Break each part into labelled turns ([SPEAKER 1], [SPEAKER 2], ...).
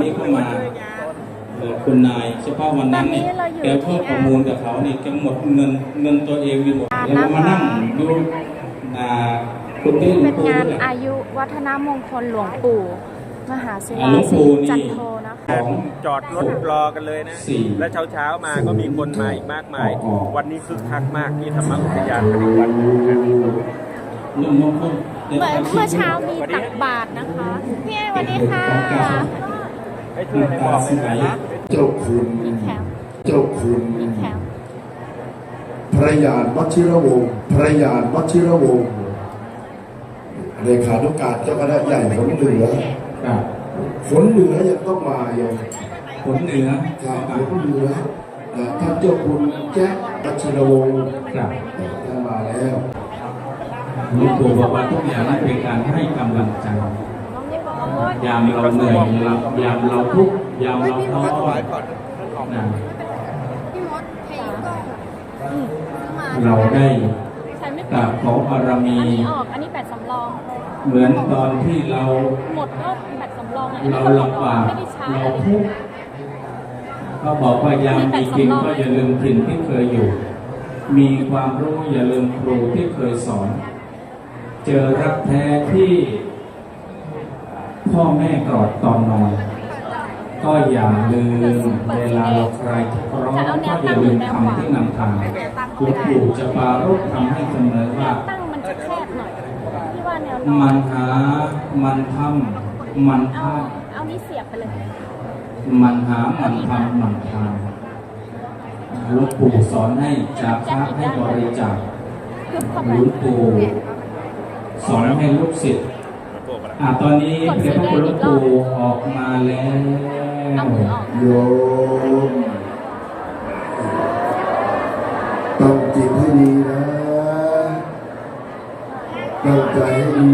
[SPEAKER 1] ที่เข้ามาคุณนายเฉพาะวันนั้นเนี่ยแกเพิ่มประมูลกับเขาเนี่ยแกหมดเงินตัวเองไปหมดแล้วก็มานั่งดูคุณพี่
[SPEAKER 2] เป็นงานอายุวัฒนมงคลหลวงปู่มหาศิลาสิจันโทนะคะ
[SPEAKER 3] จอดรถรอกันเลยนะและเช้ามาก็มีคนมาอีกมากมายวันนี้คึกคักมากที่ธรรมอุทยานปฏิวัติ
[SPEAKER 2] เมื่อเช้ามีตักบาตรนะคะพี่ไอ้วันนี้ค่ะ
[SPEAKER 3] ให้ช่วยในบอกนะ
[SPEAKER 4] เจ้าคุณเจ้าคุณพระยานวชิรวงศ์พระยานวชิรวงศ์เลขานุการเจ้าคณะใหญ่ฝนเหนือฝนเหนือยังต้องมาอย่าง
[SPEAKER 1] ฝนเหนือ
[SPEAKER 4] ฝนเหนือท่านเจ้าคุณแจ๊ควชิรวงศ์ท่านมาแล้ว
[SPEAKER 1] หลวงปู่บอกว่าทุกอย่างนั้นเป็นการให้กำลังใจยามเราเหนื่อยยามเราทุกข์ยามเราท้อเราได้กราบขอบารมี
[SPEAKER 2] อันนี้แบตสำรอง
[SPEAKER 1] เหมือนตอนที่เรา
[SPEAKER 2] หมดก็แบตสำรอง
[SPEAKER 1] เราลำบากเราทุกข์ก็บอกว่ายามมีกินก็อย่าลืมถิ่นที่เคยอยู่มีความรู้อย่าลืมครูที่เคยสอนเจอรักแท้ที่พ่อแม่กอดตอนนอนก็อย่าลืมเวลาเราใครร้องก็อย่าลืมคำที่นำทางหลวงปู่จะปรารภทำให้เสมอว่ามันหามันทำมันพลาด
[SPEAKER 2] เอานี้เสียบไปเลย
[SPEAKER 1] มันหามันทำมันทำหลวงปู่สอนให้จากพระให้บริจาคหลวงปู่สอนให้ลูกศิษย์ตอนนี้พระพุทธปู่ออกมาแล้ว
[SPEAKER 4] โยมต้องจิตให้ดีนะตั้งใจให้ดี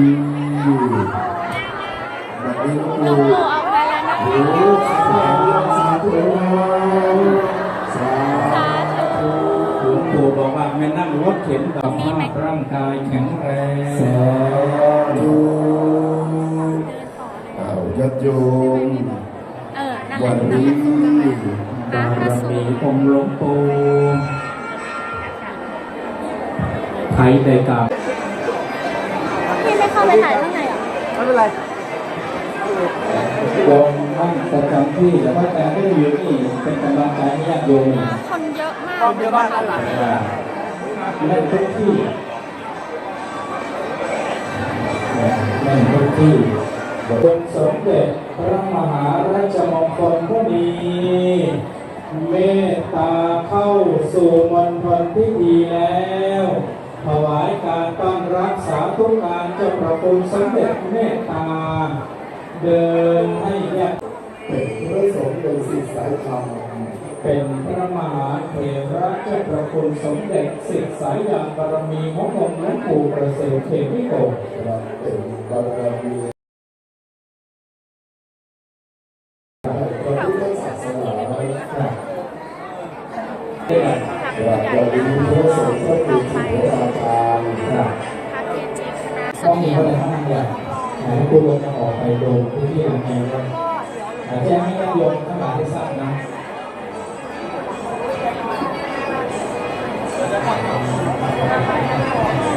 [SPEAKER 4] แบบนี้ลูกปู่
[SPEAKER 2] ออกมาแล้วนะคะ
[SPEAKER 4] โอ้สาธุสาธุ
[SPEAKER 1] หลวงปู่บอกว่าไม่นั่งรถเข็นแบบร่างกายแข็งแรง
[SPEAKER 4] สาธุญาติโยมวันนี้
[SPEAKER 1] บารมีองค์หลวงปู่ไทยได้กล่าว
[SPEAKER 2] พี่ไม่เข้าไปถ่ายข้างในหรอ
[SPEAKER 3] ไม่เป็นไร
[SPEAKER 1] โยมนั่งประจำที่แต่ว่าแต่ไม่ได้อยู่นี่เป็นกำลังใจให้ญาติโยม
[SPEAKER 2] คนเยอะมาก
[SPEAKER 3] คนเยอะมากหลัง
[SPEAKER 1] นั่นทุกที่นั่นทุกที่องค์สมเด็จพระมหาราชมงคลผู้มีเมตตาเข้าสู่มณฑลพิธีแล้วถวายการต้อนรับสาธุการเจ้าพระคุณสมเด็จเมตตาเดินให้ญาติ
[SPEAKER 4] เป็นพระสงฆ์เป็นศิษย์สายธรรม
[SPEAKER 1] เป็นพระมหาเถระเจ้าพระคุณสมเด็จศิษย์สายญาณบารมีขององค์หลวงปู่ประเสริฐเทวิโก
[SPEAKER 4] เป็นบารมีเราดีพระสงฆ์พระปู่พระอาจารย์
[SPEAKER 1] ต้องมีอะไรทั้งนั้นเลยผู้ลงจะออกไปโดนพื้นที่ทางไงก็แจ้งให้ญาติโยมทั้งหลายได้ทราบนะ